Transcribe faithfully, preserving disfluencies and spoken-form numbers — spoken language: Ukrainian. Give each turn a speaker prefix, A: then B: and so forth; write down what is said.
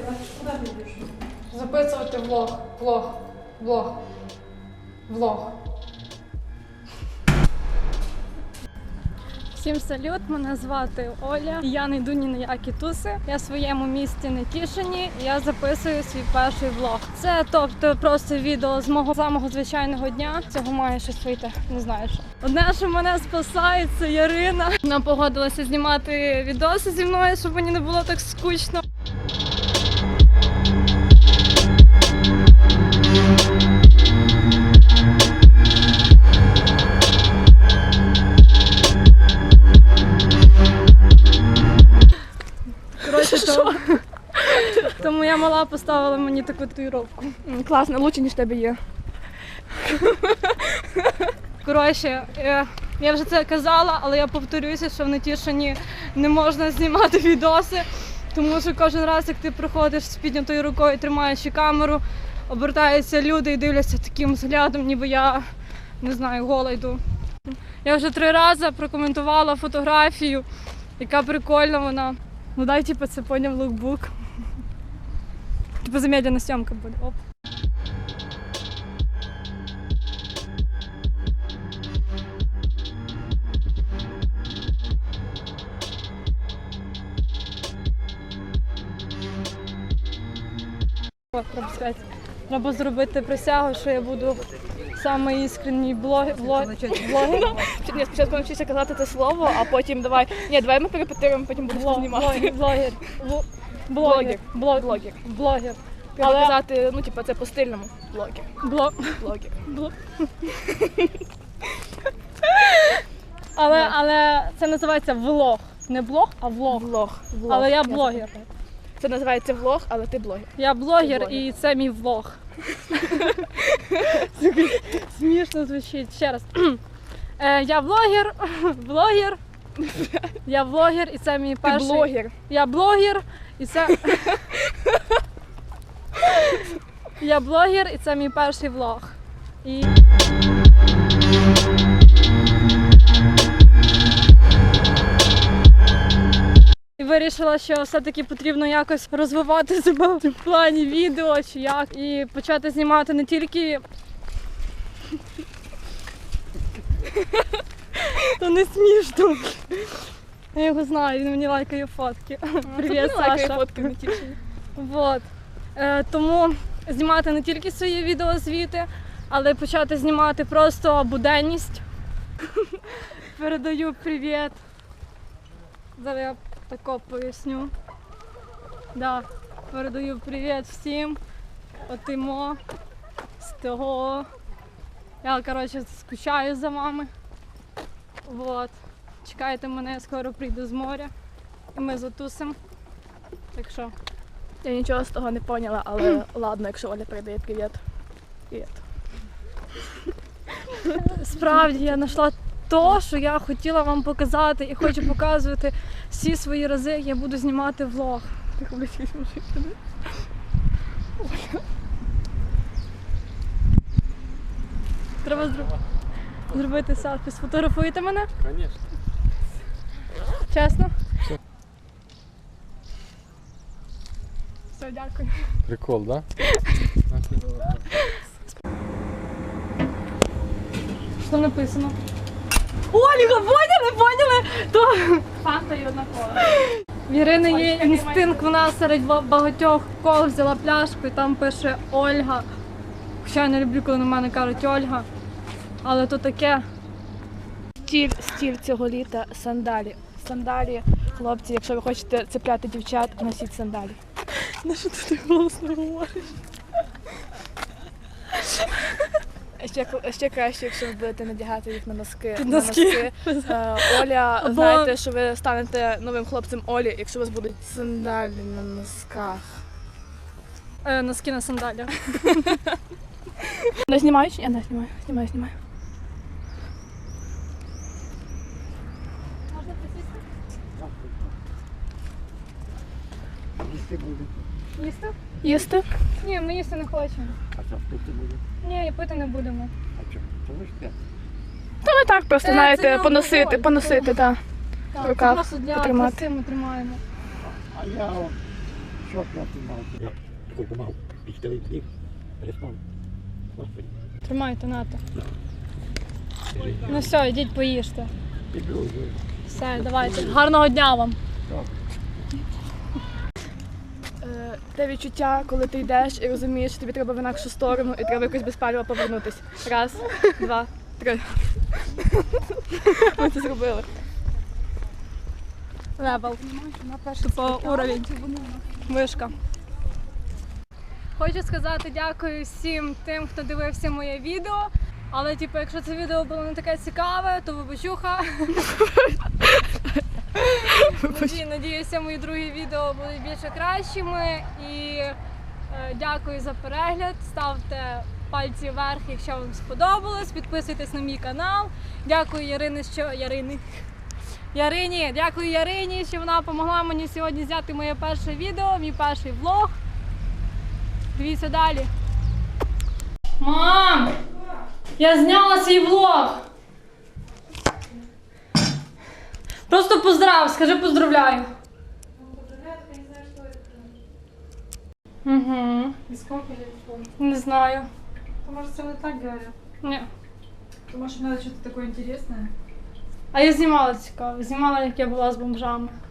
A: Куди ти йдеш? Записувати влог, влог, влог, влог. Всім салют, мене звати Оля. Я не йду ні на які туси. Я в своєму місті Нетішині і я записую свій перший влог. Це, тобто, просто відео з мого самого звичайного дня. Цього має щось вийти, не знаю що. Одне, що мене спасає, це Ярина. Вона погодилася знімати відоси зі мною, щоб мені не було так скучно. То, то моя мала поставила мені таку татуїровку.
B: Класно, лучше, ніж в тебе є.
A: Коротше, я вже це казала, але я повторюся, що в Нетішині не можна знімати відоси, тому що кожен раз, як ти приходиш з піднятою рукою, тримаючи камеру, обертаються люди і дивляться таким взглядом, ніби я, не знаю, гола йду. Я вже три рази прокоментувала фотографію, яка прикольна вона. Ну дай, типу, це поняв лукбук. Типу замедлена зйомка буде. Оп. О, треба сказати. Треба зробити присягу, що я буду самий іскренній блогер. Блогер.
B: Ні, спочатку навчися казати це слово, а потім давай. Ні, давай ми перепетируємо, потім будемо знімати.
A: Блогер. Блогер. Блогер. Блогер.
B: Треба казати, ну, типу, це по стильному. Блогер.
A: Блог.
B: Блогер.
A: Блог. Але, але це називається влог. Не блог, а влог.
B: Влог. Влог.
A: Але я блогер.
B: Це називається влог, але ти блогер.
A: Я блогер,
B: блогер.
A: І це мій влог. Смішно звучить. Ще раз. Е, я блогер, блогер. Я блогер, і це мій перший...
B: Ти блогер.
A: Я блогер, і це... Я блогер, і це мій перший влог. І... І вирішила, що все-таки потрібно якось розвивати себе в плані відео чи як. І почати знімати не тільки... То не смішно. Я його знаю, він мені лайкає фотки. Привіт, Саша.
B: Фотки в Нетішині.
A: Вот. Е, тому знімати не тільки свої відеозвіти, але почати знімати просто буденність. Передаю привіт. Зараз я тако поясню. Да, передаю привіт всім. Отимо, з того. Я, коротше, скучаю за вами. Вот. Чекайте мене, я скоро прийду з моря. І ми затусимо. Так що.
B: Я нічого з того не поняла, але ладно, якщо Оля передає привіт. Привіт.
A: Справді, я знайшла то, що я хотіла вам показати і хочу показувати всі свої рази, як я буду знімати влог. Треба зробити, зробити селфі. Сфотографуєте мене?
C: Звісно.
A: Чесно? Все, дякую.
C: Прикол, да?
A: Що написано? Ольга, поняли, поняли? То фанта і одна кола. В Ірини є інстинкт, вона серед багатьох кол взяла пляшку і там пише Ольга. Хоча я не люблю, коли на мене кажуть Ольга. Але то таке.
B: Стіль, стіль цього літа – сандалі. Сандалі, хлопці, якщо ви хочете цепляти дівчат, носіть сандалі.
A: На що ти так голосно говориш?
B: Ще, ще краще, якщо ви будете надягати їх на носки.
A: Під
B: на
A: носки.
B: носки. Е, Оля,
A: Або-
B: знаєте, що ви станете новим хлопцем Олі, якщо у вас будуть сандалі на носках.
A: Е, носки на сандалях.
B: Не знімаю чи ні? Не знімаю. Знімаю, знімаю.
A: Можна присісти?
C: Їсти буде.
A: Їсти?
B: Їсти?
A: Ні, ми їсти не хочемо.
C: А що пити буде?
A: Ні, і пити не будемо.
C: А що? То ви ж те.
B: Та ми так просто,
A: Е,
B: знаєте,
A: це не
B: поносити,
A: алкоголь,
B: поносити, так.
A: Так,
B: руках
A: це просто для
B: потримати.
A: краси ми тримаємо.
C: А я о, Що б я знімав? Я такий помав, пістолет зліг, переспав. Господи,
A: Тримайте, нате. Ну все, йдіть поїжте.
C: піду вже.
A: Все, давайте. Гарного дня вам.
C: Так.
B: Е, те відчуття, коли ти йдеш і розумієш, що тобі треба в інакшу сторону і треба якось без палива повернутись. Раз, два, три. Ми це зробили.
A: Левел. Тупо уровень. Вишка. Хочу сказати дякую всім тим, хто дивився моє відео. Але, типу, якщо це відео було не таке цікаве, то вибачуха. Наді- Надіюся, мої другі відео будуть більше кращими. І е, дякую за перегляд. Ставте пальці вверх, якщо вам сподобалось. Підписуйтесь на мій канал. Дякую Ярині, що Ярини. Ярині, дякую Ярині, що вона допомогла мені сьогодні зняти моє перше відео, мій перший влог. Дивіться далі. Мам! Я зняла свій влог! Просто поздрав, скажи поздравляю. Угу.
D: И сколько лет помню?
A: Не знаю.
D: То, может, все вот так говорят?
A: Ні.
D: То, может, надо что-то такое интересное?
A: А я знімала цікаво. Знімала, як я була з бомжами.